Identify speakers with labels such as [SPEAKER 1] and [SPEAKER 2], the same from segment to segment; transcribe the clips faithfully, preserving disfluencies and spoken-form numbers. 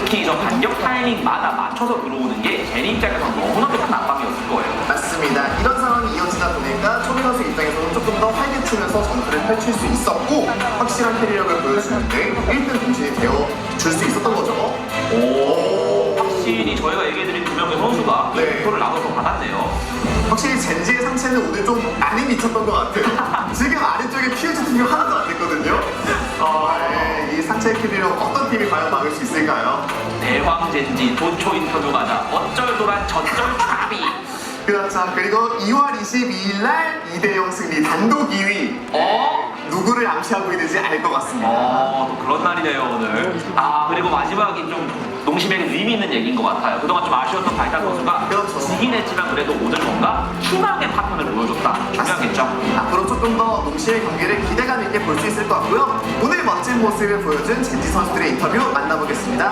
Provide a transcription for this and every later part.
[SPEAKER 1] 특히 저 반격 타이밍마다 맞춰서 들어오는 게 제니 입장에서 너무나도 큰 압박이었을 거예요.
[SPEAKER 2] 맞습니다. 이런 상황이 이어지다 보니까 초비 선수 입장에서는 조금 더 활개치면서 전투를 펼칠 수 있었고 확실한 캐리력을 보여주는데 일 등 공신이 되어줄 수 있었던 거죠.
[SPEAKER 1] 오, 확실히 저희가 얘기해드린 두 명의 선수가
[SPEAKER 2] 네.
[SPEAKER 1] 표를 나눠서 받았네요.
[SPEAKER 2] 확실히 젠지의 상체는 오늘 좀 많이 미쳤던 것 같아요. 지금 아래쪽에 퓨즈 팀이 하나도 안 됐거든요. 어, 네. 이 상체 캐리력 어떤 팀이 과연 막을 수 있을까요?
[SPEAKER 1] 대황 젠지 도초 인터뷰 가자. 어쩔도란 저쩔 차비.
[SPEAKER 2] 그렇죠. 그리고 이월 이십이일 날 이 대 영 승리 단독 이 위.
[SPEAKER 1] 어?
[SPEAKER 2] 누구를 암시하고 있는지 알 것 같습니다.
[SPEAKER 1] 어, 또 그런 날이네요, 오늘. 아, 그리고 마지막이 좀 농심에게 의미 있는 얘기인 것 같아요. 그동안 좀 아쉬웠던 바이탈 선수가
[SPEAKER 2] 그렇죠.
[SPEAKER 1] 지긴 했지만 그래도 오늘 뭔가 희망의 파편을 보여줬다. 중요하겠죠?
[SPEAKER 2] 앞으로 조금 더 농심의 경기를 기대감 있게 볼 수 있을 것 같고요. 오늘 멋진 모습을 보여준 젠지 선수들의 인터뷰 만나보겠습니다.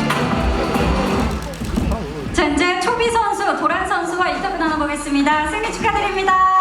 [SPEAKER 3] 젠지의 초비 선수, 도란 선수와 인터뷰 나눠보겠습니다. 승리 축하드립니다.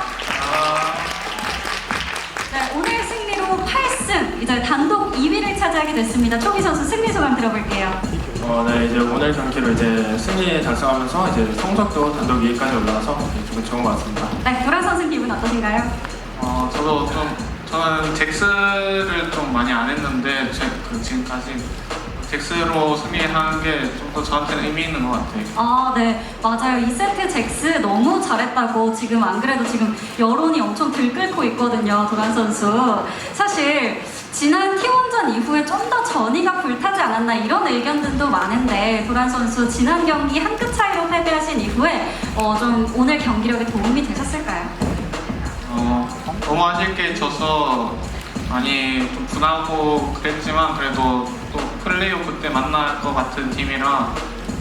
[SPEAKER 3] 네, 오늘 승리로 팔 승, 이제 단독 이 위를 차지하게 됐습니다. 초비 선수 승리 소감 들어볼게요.
[SPEAKER 4] 어, 네, 이제 오늘 경기로 이제 승리에 달성하면서 이제 성적도 단독 이 위까지 올라와서 좀 좋은 것 같습니다.
[SPEAKER 3] 네, 도란 선수 기분 어떠신가요?
[SPEAKER 5] 어, 저도 좀, 저는 잭스를 좀 많이 안 했는데, 제, 그 지금까지 잭스로 승리하는 게 좀 더 저한테는 의미 있는 것 같아요.
[SPEAKER 3] 아, 네, 맞아요. 이 세트 잭스 너무 잘했다고 지금 안 그래도 지금 여론이 엄청 들끓고 있거든요, 도란 선수. 사실 지난 티원전 이후에 좀 더 전이가 불타지 않았나 이런 의견들도 많은데 도란 선수 지난 경기 한 끗 차이로 패배하신 이후에 어, 좀 오늘 경기력에 도움이 되셨을까요?
[SPEAKER 5] 어, 너무 아쉽게 져서 많이 좀 분하고 그랬지만 그래도 또 플레이오프 때 만날 것 같은 팀이라 어,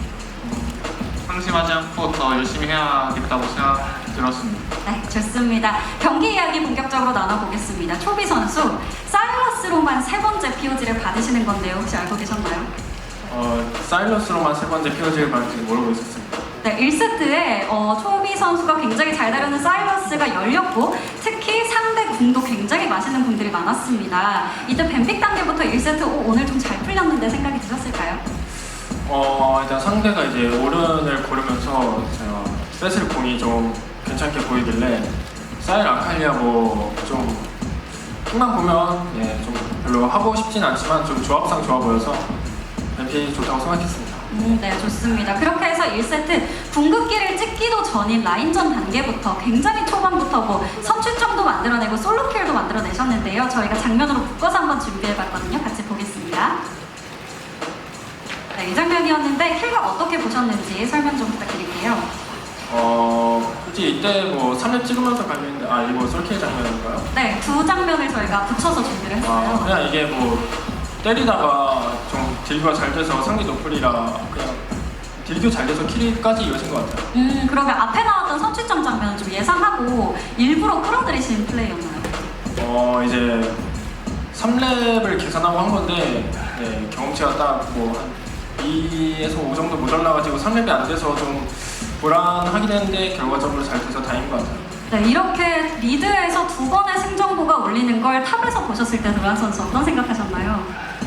[SPEAKER 5] 상심하지 않고 더 열심히 해야겠다고 생각 들었습니다.
[SPEAKER 3] 네, 좋습니다. 경기 이야기 본격적으로 나눠보겠습니다. 초비 선수, 사일러스로만 세 번째 피오지를 받으시는 건데요. 혹시 알고 계셨나요?
[SPEAKER 4] 어, 사일러스로만 세 번째 피오지를 받을지 모르고 있었습니다.
[SPEAKER 3] 네, 일 세트에 어, 초비 선수가 굉장히 잘 다루는 사일러스가 열렸고 특히 상대 궁도 굉장히 맛있는 궁들이 많았습니다. 이때 뱀픽 단계부터 일 세트 오, 오늘 좀 잘 풀렸는데 생각이 드셨을까요?
[SPEAKER 4] 어, 일단 상대가 이제 오른을 고르면서 제가 세슬 공이 좀 괜찮게 보이길래 사일 아칼리아 뭐 좀 픽만 보면 예, 좀 별로 하고 싶진 않지만 좀 조합상 좋아 보여서 뱀픽이 좋다고 생각했습니다.
[SPEAKER 3] 음, 네, 좋습니다. 그렇게 해서 일 세트 궁극기를 찍기도 전인 라인전 단계부터 굉장히 초반부터 뭐 선취점도 만들어내고 솔로킬도 만들어내셨는데요. 저희가 장면으로 묶어서 한번 준비해봤거든요. 같이 보겠습니다. 네, 이 장면이었는데 킬각 어떻게 보셨는지 설명 좀 부탁드릴게요.
[SPEAKER 4] 어, 굳이 이때 뭐 삼 렙 찍으면서 갈렸는데 아 이거 솔킬 장면인가요?
[SPEAKER 3] 네, 두 장면을 저희가 붙여서 준비를
[SPEAKER 4] 아,
[SPEAKER 3] 했어요.
[SPEAKER 4] 그냥 이게 뭐 때리다가 좀 딜교가 잘 돼서 상대 노플이라 그냥 딜교 잘 돼서 킬까지 이어진 것 같아요.
[SPEAKER 3] 음, 그러면 앞에 나왔던 선취점 장면은 좀 예상하고 일부러 끌어들이신 플레이였나요?
[SPEAKER 4] 어, 이제 삼 렙을 계산하고 한 건데 네, 경험치가 딱 뭐 한 이에서 오 정도 모자라가지고 삼 렙이 안 돼서 좀 불안하긴 했는데 결과적으로 잘 돼서 다행인 것 같아요.
[SPEAKER 3] 네, 이렇게 리드에서 두 번의 승정보가 울리는 걸 탑에서 보셨을 때 도란 선수 어떤 생각하셨나요?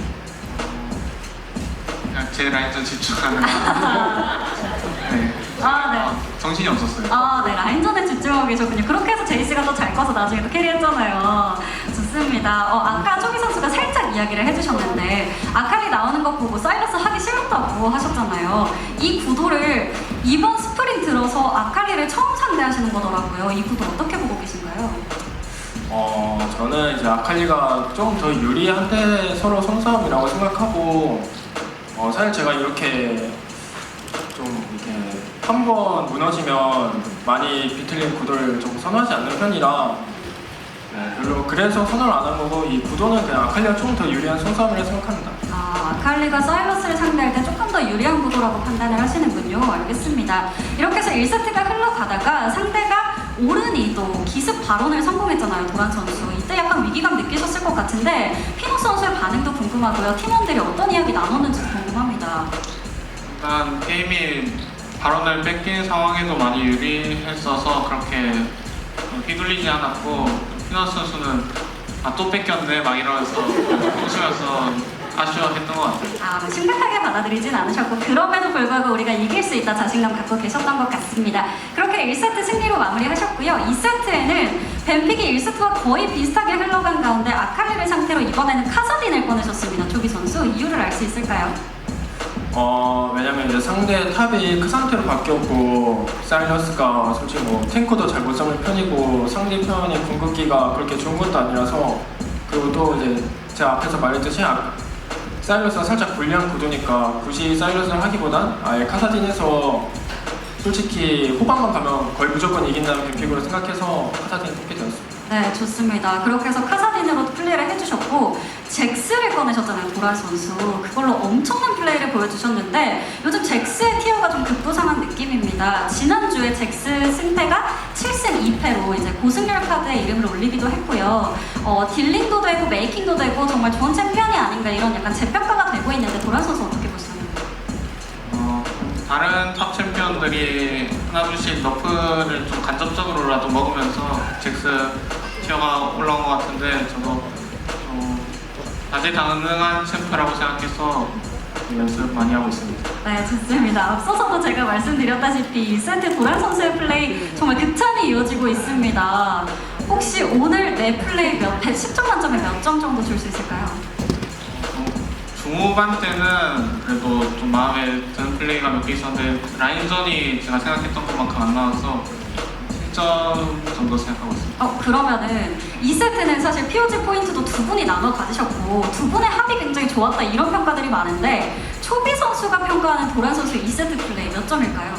[SPEAKER 5] 그냥 제 라인전 집중하는 거. 네.
[SPEAKER 3] 아, 네.
[SPEAKER 5] 어, 정신이 없었어요.
[SPEAKER 3] 아, 네, 라인전에 집중하고 계셨군요. 그렇게 해서 제이씨가 더 잘 커서 나중에 또 캐리했잖아요. 좋습니다. 어, 아까 초기 선수가 살짝 이야기를 해주셨는데 아칼리 나오는 거 보고 사이러스 하기 싫었다고 하셨잖아요. 이 구도를 이번 스프링 들어서 아칼리를 처음 상대하시는 거더라고요. 이 구도 어떻게 보고 계신가요?
[SPEAKER 4] 어, 저는 이제 아칼리가 좀 더 유리한데 서로 손싸움이라고 생각하고 어, 사실 제가 이렇게 좀 이렇게 한 번 무너지면 많이 비틀린 구도를 좀 선호하지 않는 편이라 네, 별로 그래서 선호를 안 한 거고 이 구도는 그냥 아칼리가 좀 더 유리한 손싸움이라 생각합니다.
[SPEAKER 3] 아, 아칼리가 사이러스를 상대할 때 조금 더 유리한 구도라고 판단을 하시는군요. 알겠습니다. 이렇게 해서 일 세트가 흘러가다가 상대가 오른이 또 기습 발언을 성공했잖아요, 도란 선수. 이때 약간 위기감 느끼셨을 것 같은데 피노 선수의 반응도 궁금하고요. 팀원들이 어떤 이야기 나눴는지 궁금합니다.
[SPEAKER 5] 일단 게임이 발언을 뺏긴 상황에도 많이 유리했어서 그렇게 휘둘리지 않았고 피너스 선수는 아 또 뺏겼네 막 이러면서 웃으면서 아쉬워했던 것 같아요.
[SPEAKER 3] 아, 심각하게 받 받아들이진 않으셨고 그럼에도 불구하고 우리가 이길 수 있다 자신감 갖고 계셨던 것 같습니다. 그렇게 일 세트 승리로 마무리하셨고요. 이 세트에는 벤픽이 일 세트와 거의 비슷하게 흘러간 가운데 아칼리를 상태로 이번에는 카사딘을 꺼내셨습니다. 조비 선수 이유를 알 수 있을까요?
[SPEAKER 4] 어 왜냐면 이제 상대 탑이 그 상태로 바뀌었고 사이러스가 솔직히 뭐 탱커도 잘 못 잡는 편이고 상대편이 궁극기가 그렇게 좋은 것도 아니라서 그리고 또 이제 제가 앞에서 말했듯이 아, 사이러스가 살짝 불리한 구도니까 굳이 사이러스를 하기보단 아예 카사딘에서 솔직히 호방만 가면 거의 무조건 이긴다는 픽으로 생각해서 카사딘 뽑게 되었습니다.
[SPEAKER 3] 네, 좋습니다. 그렇게 해서 카사딘으로 플레이를 해주셨고 잭스를 꺼내셨잖아요, 도란 선수. 그걸로 엄청난 플레이를 보여주셨는데 요즘 잭스의 티어가 좀 급부상한 느낌입니다. 지난주에 잭스 승패가 칠 승 이 패로 이제 고승열 카드에 이름을 올리기도 했고요. 어, 딜링도 되고 메이킹도 되고 정말 좋은 챔피언이 아닌가 이런 약간 재평가가 되고 있는데 도란 선수 어떻게 보시나요?
[SPEAKER 5] 어, 다른 탑 챔피언들이 하나둘씩 너프를 좀 간접적으로라도 먹으면서 잭스 티어가 올라온 것 같은데 저도 좀 다재다능한 챔프라고 생각해서 연습 많이 하고 있습니다.
[SPEAKER 3] 네, 좋습니다. 앞서서도 제가 말씀드렸다시피 이 세트 도란 선수의 플레이 정말 극찬이 이어지고 있습니다. 혹시 오늘 내 플레이 몇, 십 점 만점에 몇 점 정도 줄 수 있을까요?
[SPEAKER 5] 중후반 때는 그래도 좀 마음에 드는 플레이가 몇 개 있었는데 라인전이 제가 생각했던 것만큼 안 나와서 칠 점 정도 생각하고 있습니다.
[SPEAKER 3] 어, 그러면은 이 세트는 사실 피오지 포인트도 두 분이 나눠 가지셨고 두 분의 합이 굉장히 좋았다 이런 평가들이 많은데 초비 선수가 평가하는 도란 선수 이 세트 플레이 몇 점일까요?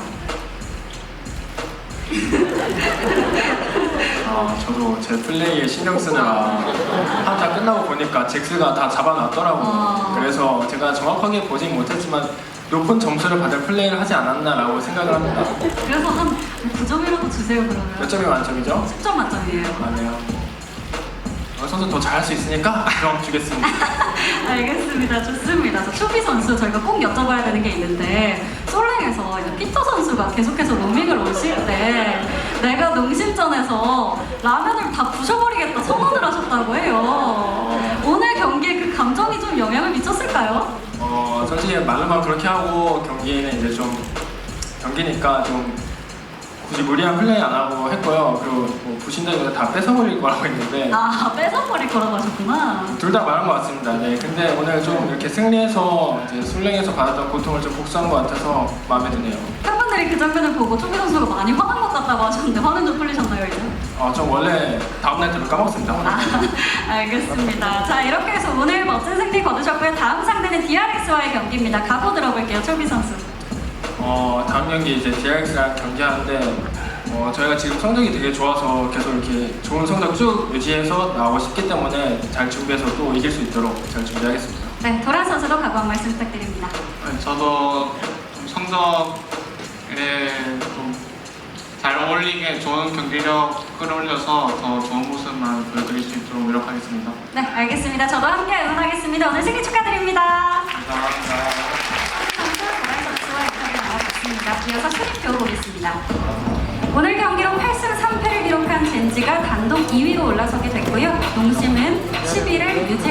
[SPEAKER 4] 아, 저도 제 플레이에 신경 쓰느라 한타 끝나고 보니까 잭스가 다 잡아놨더라고요.
[SPEAKER 3] 아.
[SPEAKER 4] 그래서 제가 정확하게 보진 못했지만 높은 점수를 받을 플레이를 하지 않았나라고 생각을 합니다.
[SPEAKER 3] 그래서 한 구 점이라도 주세요 그러면.
[SPEAKER 4] 몇 점이 만점이죠?
[SPEAKER 3] 십 점 만점이에요.
[SPEAKER 4] 아네요. 어, 선수 더 잘할 수 있으니까 그럼 주겠습니다.
[SPEAKER 3] 알겠습니다. 좋습니다. 저 초비 선수 저희가 꼭 여쭤봐야 되는 게 있는데 솔랭에서 이제 피터 선수가 계속해서 로밍을 오실 때 내가 농심전에서 라면을 다 부셔버리겠다 선언을 하셨다고 해요. 오늘 경기에 그 감정이 좀 영향을 미쳤을까요?
[SPEAKER 4] 어, 솔직히 말로만 그렇게 하고 경기에는 이제 좀 경기니까 좀 굳이 무리한 플레이 안 하고 했고요. 그리고 뭐 부신다기보다 다 뺏어버릴 거라고 했는데
[SPEAKER 3] 아 뺏어버릴 거라고 하셨구나.
[SPEAKER 4] 둘 다 말한 것 같습니다. 네, 근데 오늘 좀 이렇게 승리해서 이제 술랭에서 받았던 고통을 좀 복수한 것 같아서 마음에 드네요.
[SPEAKER 3] 팬분들이 그 장면을 보고 초비 선수가 많이 화난 것 같다고 하셨는데 화는 좀 풀리셨나요 이제?
[SPEAKER 4] 어, 좀 원래 다음날 때로 까먹습니다.
[SPEAKER 3] 아, 알겠습니다. 자 이렇게 해서 오늘 멋진 승리 거두셨고요. 다음 상대는 디알엑스와의 경기입니다. 각오 들어볼게요, 초비 선수.
[SPEAKER 4] 어, 다음 경기 이제 디알엑스랑 경기하는데 어, 저희가 지금 성적이 되게 좋아서 계속 이렇게 좋은 성적 쭉 유지해서 나오고 싶기 때문에 잘 준비해서 또 이길 수 있도록 잘 준비하겠습니다.
[SPEAKER 3] 네, 도란 선수도 각오 한 말씀 부탁드립니다.
[SPEAKER 5] 네, 저도 좀 성적에 좀 잘 어울리게 좋은 경기력 끌어올려서 더 좋은 모습만 보여드릴 수 있도록 노력하겠습니다.
[SPEAKER 3] 네, 알겠습니다. 저도 함께 응원하겠습니다. 오늘 승리 축하드립니다.
[SPEAKER 5] 감사합니다.
[SPEAKER 3] 선수 도란 선수와 인터뷰 나눠봤습니다. 이어서 순위표 보겠습니다. 오늘 경기로 팔 승 삼 패를 기록한 젠지가 단독 이 위로 올라서게 됐고요. 농심은 십 위를 유지